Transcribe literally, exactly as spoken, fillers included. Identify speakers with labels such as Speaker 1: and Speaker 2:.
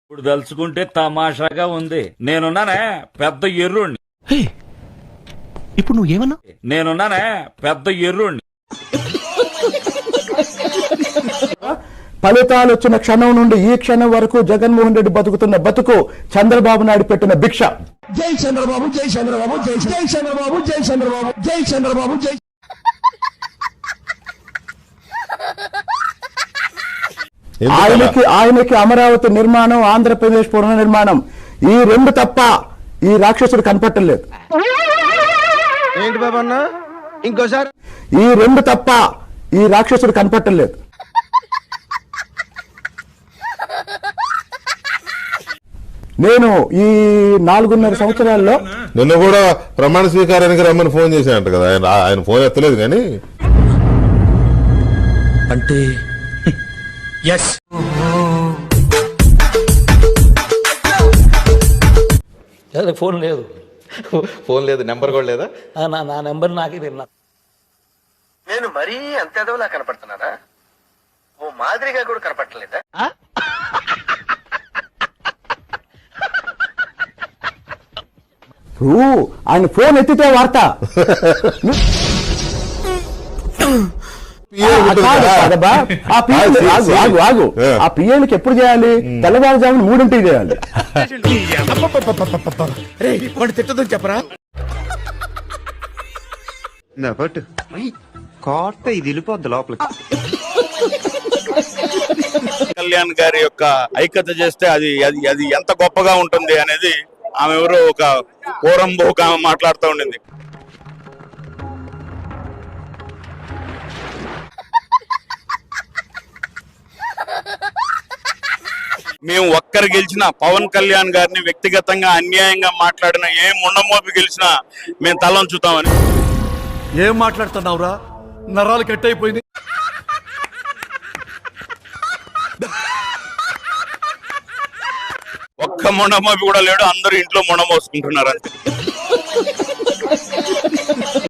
Speaker 1: ఇప్పుడు తలుచుకుంటే తమాషాగా ఉంది. నేనున్నానే పెద్ద ఎర్రుణ్ణి.
Speaker 2: ఇప్పుడు నువ్వు ఏమన్నా?
Speaker 1: నేనున్నానే పెద్ద ఎర్రుణ్ణి.
Speaker 3: ఫలితాలు వచ్చిన క్షణం నుండి ఈ క్షణం వరకు జగన్మోహన్ రెడ్డి బతుకుతున్న బతుకు చంద్రబాబు నాయుడు పెట్టిన భిక్ష. జై చంద్రబాబు, జై చంద్రబాబు, జై జై చంద్రబాబు, జై చంద్రబాబు, జై చంద్రబాబు, జై. ఆయనకి ఆయనకి అమరావతి నిర్మాణం, ఆంధ్రప్రదేశ్ పునర్నిర్మాణం ఈ రెండు తప్ప ఈ రాక్షసుడు కనపట్టలేదు.
Speaker 4: ఏంటి బాబు అన్న ఇంకోసారి?
Speaker 3: ఈ రెండు తప్ప ఈ రాక్షసుడు కనపట్టలేదు. నేను ఈ నాలుగున్నర సంవత్సరాల్లో
Speaker 5: నిన్న కూడా ప్రమాణ స్వీకారానికి రమ్మని ఫోన్ చేశానంట కదా, ఆయన ఆయన ఫోన్ ఎత్తలేదు. కానీ
Speaker 2: అంటే ఎస్
Speaker 6: ఫోన్ లేదు,
Speaker 4: ఫోన్ లేదు, నెంబర్ కూడా లేదా?
Speaker 6: నా నా నెంబర్ నాకే తెలియదు.
Speaker 7: నేను మరీ అంత ఎదవలా కనపడుతున్నారా? ఓ మాదిరిగా కూడా కనపడలేదా?
Speaker 3: ఆయన ఫోన్ ఎత్తితే వార్త. ఆ పిఏలకి ఎప్పుడు చేయాలి? తెల్లవారుజామున మూడింటికి చేయాలి.
Speaker 4: తిట్టదని చెప్పరా? కోట ఇది వెళ్ళిపోద్ది లోపలికి.
Speaker 8: కళ్యాణ్ గారి యొక్క ఐక్యత చేస్తే అది అది అది ఎంత గొప్పగా ఉంటుంది అనేది ఆమె ఎవరో ఒక పూరం బహుక ఆమె మాట్లాడుతూ ఉండింది. మేము ఒక్కరు గెలిచినా, పవన్ కళ్యాణ్ గారిని వ్యక్తిగతంగా అన్యాయంగా మాట్లాడిన ఏ ముండమోపి గెలిచినా మేము తలంచుతామని.
Speaker 2: ఏం మాట్లాడుతున్నావురా? నరాలు కట్ అయిపోయింది.
Speaker 8: ఒక్క మొండమోపి కూడా లేడు, అందరూ ఇంట్లో మొండమోసుకుంటున్నారు అంతే.